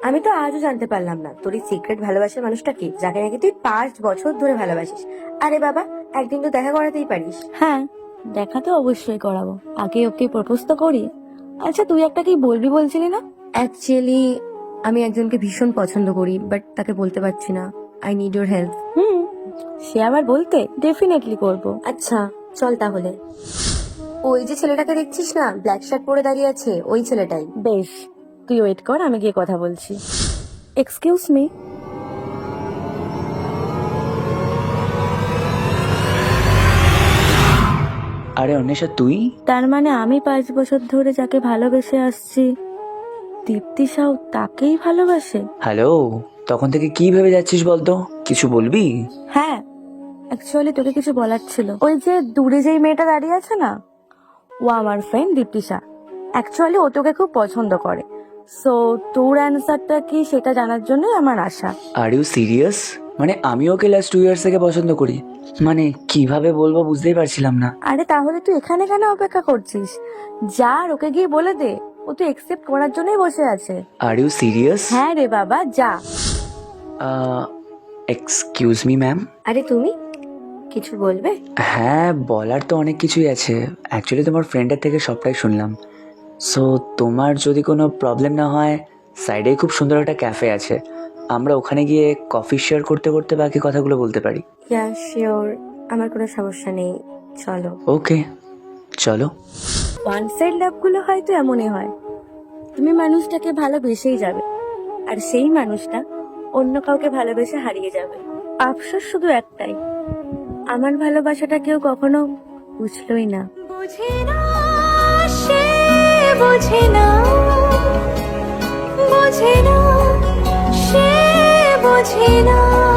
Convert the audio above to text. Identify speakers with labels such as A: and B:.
A: আমি তো আজও জানতে পারলাম না তোর এই সিক্রেট ভালোবাসার মানুষটা কি, যাকে নাকি তুই 5 বছর ধরে ভালোবাসিস। আরে বাবা, একদিন তো দেখা করাতেই পারিস।
B: হ্যাঁ, দেখা তো অবশ্যই করাবো। আগে ওকে প্রপোজ তো করি। আচ্ছা, তুই একটা কি বলবি বলছিলি না?
A: অ্যাকচুয়ালি আমি একজনকে ভীষণ পছন্দ করি, বাট তাকে বলতে পারছি না। I need your help.
B: হুম, সে আবার বলতে ডেফিনেটলি করব।
A: আচ্ছা চল তাহলে। ওই যে ছেলেটাকে দেখছিস না, ব্ল্যাক শার্ট পরে দাঁড়িয়ে আছে, ওই ছেলেটাই।
B: বেশ, তুই ওয়েট কর, আমি গিয়ে কথা বলছি। Excuse me.
C: আরে অন্বেষা, তুই?
B: তার মানে আমি 5 বছর ধরে যাকে ভালোবেসে আসছি, দীপ্তি সাউ তাকেই ভালোবাসে?
C: হ্যালো, তখন থেকে কি ভেবে যাচ্ছিস বলতো? কিছু বলবি?
B: হ্যাঁ, অ্যাকচুয়ালি তোকে কিছু বলার ছিল। ওই যে দূরে যেই মেয়েটা দাঁড়িয়ে আছে না, ও আমার ফ্রেন্ড দীপ্তিশা। অ্যাকচুয়ালি ও তোকে খুব পছন্দ করে। সো তোর অ্যান্সারটা কি সেটা জানার জন্যই আমার আশা।
C: আর ইউ সিরিয়াস? মানে আমি ওকে লাস্ট 2 ইয়ার্স থেকে পছন্দ করি। মানে কিভাবে বলবো বুঝতেই পারছিলাম না।
B: আরে তাহলে তুই এখানে কেন অপেক্ষা করছিস? যা, আর ওকে গিয়ে বলে দে। ও তো একসেপ্ট করার জন্যই বসে আছে।
C: Are you serious?
B: হ্যাঁ রে বাবা, যা।
C: Excuse me ma'am.
A: আরে তুমি কিছু বলবে?
C: হ্যাঁ, বলার তো অনেক কিছুই আছে। অ্যাকচুয়ালি তোমার ফ্রেন্ডের থেকে সবটাই শুনলাম। সো তোমার যদি কোনো প্রবলেম না হয়, সাইডে খুব সুন্দর একটা ক্যাফে আছে। আমরা ওখানে গিয়ে কফি শেয়ার করতে করতে বাকি কথাগুলো বলতে পারি।
A: ইয়া শিওর, আমার কোনো সমস্যা নেই, চলো।
C: ওকে, চলো।
B: ওয়ান সাইড লাভ গুলো হয়তো এমনই হয়। তুমি মানুষটাকে ভালোবেসেই যাবে, আর সেই মানুষটা অন্য কাউকে ভালোবেসে হারিয়ে যাবে। আফসোস শুধু একটাই, আমার ভালোবাসাটা কেউ কখনো বুঝলোই না। বুঝে না, সে বুঝে না, বুঝে না, সে বুঝে না।